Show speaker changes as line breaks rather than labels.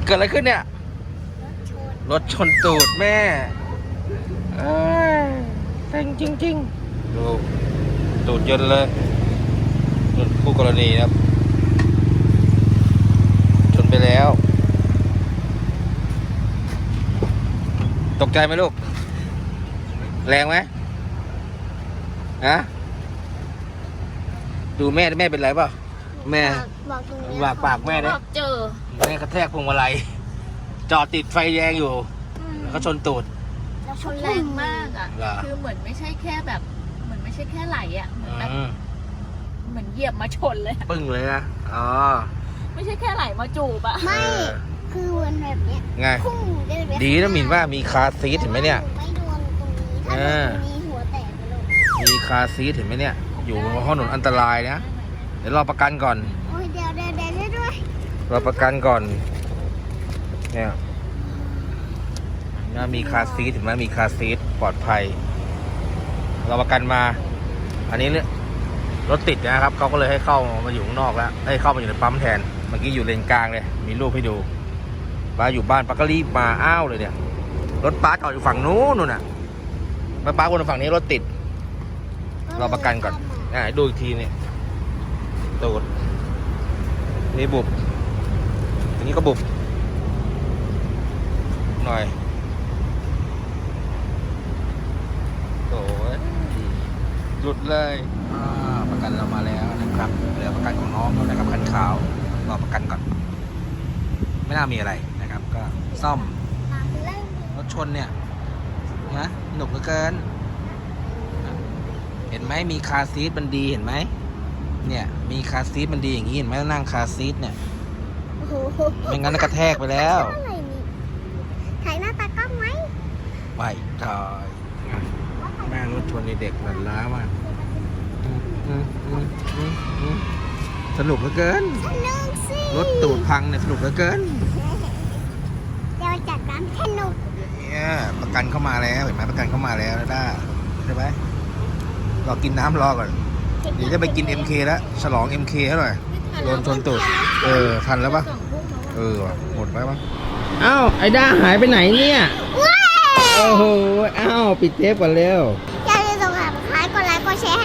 เกิดอะไรขึ้นเนี่ยรถชนตูดแม่เซ็งจริงๆดูตูดยนต์เลยรถคู่กรณีครับชนไปแล้วตกใจไหมลูกแรงไหมฮะดูแม่เป็นไรเปล่าแม่
บอกตรงนี้
วากปากแม่เนี่ย
เจอ
แม่กระแทกพวงมาลัยจอดติดไฟแดงอยู่แล้วก็ชนตูด
แล้วชนแรงมากอ่ะคือเหมือนไม่ใช่แค่แบบเหมือนไม่ใช่แค่ไหลอ่ะเหมือนแบบเหมือนเหยียบมาชนเลย
ปึ้งเลยนะอ๋อ
ไม่ใช่แค่ไหลมาจูบอ่ะ
ไม่คือวันแบบเนี้ย
ไงดีนะมินว่ามีคาร์ซีทเห็นไหมเนี่ย
ไม่โดนตรงนี้ถ้าโดนตรงนี้หัวแตกไปเลย
มีคาร์ซีทเห็นไหมเนี่ยอยู่บนถนนอันตรายนะเดี๋ยวรอประกันก่อน
โอ้ยเดี๋ยวด้วย
รอประกันก่อนเนี่ยน่ามีคาร์ซีทเห็นไหมมีคาร์ซีทปลอดภัยรอประกันมาอันนี้เนี่ยรถติดนะครับเขาก็เลยให้เข้ามาอยู่ข้างนอกแล้วให้เข้ามาอยู่ในปั๊มแทนเมื่อกี้อยู่เลนกลางเลยมีรูปให้ดูป้าอยู่บ้านป้าก็รีบมาอ้าวเลยเนี่ยรถป้าจอดอยู่ฝั่งนู้นน่ะป้าวนฝั่งนี้รถติดรอประกันก่อนดูอีกทีเนี่ยตูดนี่บุบอันนี้ก็บุบหน่อยโอ้ยหลุดเลยประกันเรามาแล้วนะครับเหลือประกันของน้องเขานะครับคันขาวรอประกันก่อนไม่น่ามีอะไรนะครับก็ซ่อมรถชนเนี่ยนะหนุกเหลือเกินเห็นไหมมีคาร์ซีทมันดีเห็นไหมเนี่ยมีคาร์ซีทมันดีอย่างนี้เห็นไหมนั่งคาร์ซีทเนี่ยไม่งั้นกระแทกไปแล้ว
ถ่ายหน้าตากล้องไหม
ไม่ถ่ายแม่รถชนในเด็กหลั่นล้ามากสนุกเหลือเกิน
สนุกสิ
รถตูดพังเนี่ยสนุกเหลือเกิน
เดี๋ยวจัดการสนุก
เนี่ยประกันเข้ามาแล้วเห็นไหมประกันเข้ามาแล้วนะด้าใช่ไหมรอกินน้ำรอก่อนเดี๋ยวจะไปกิน MK แล้วฉลอง MK ให้หน่อยโดนชนตูดทันแล้วปะหมดไปปะอ้าวไอ้ด้าหายไปไหนเนี่ยโอ้โหอ้าวปิดเทปก่อนเร็ว
อย่าลืมกดไลค์กดแชร์ให้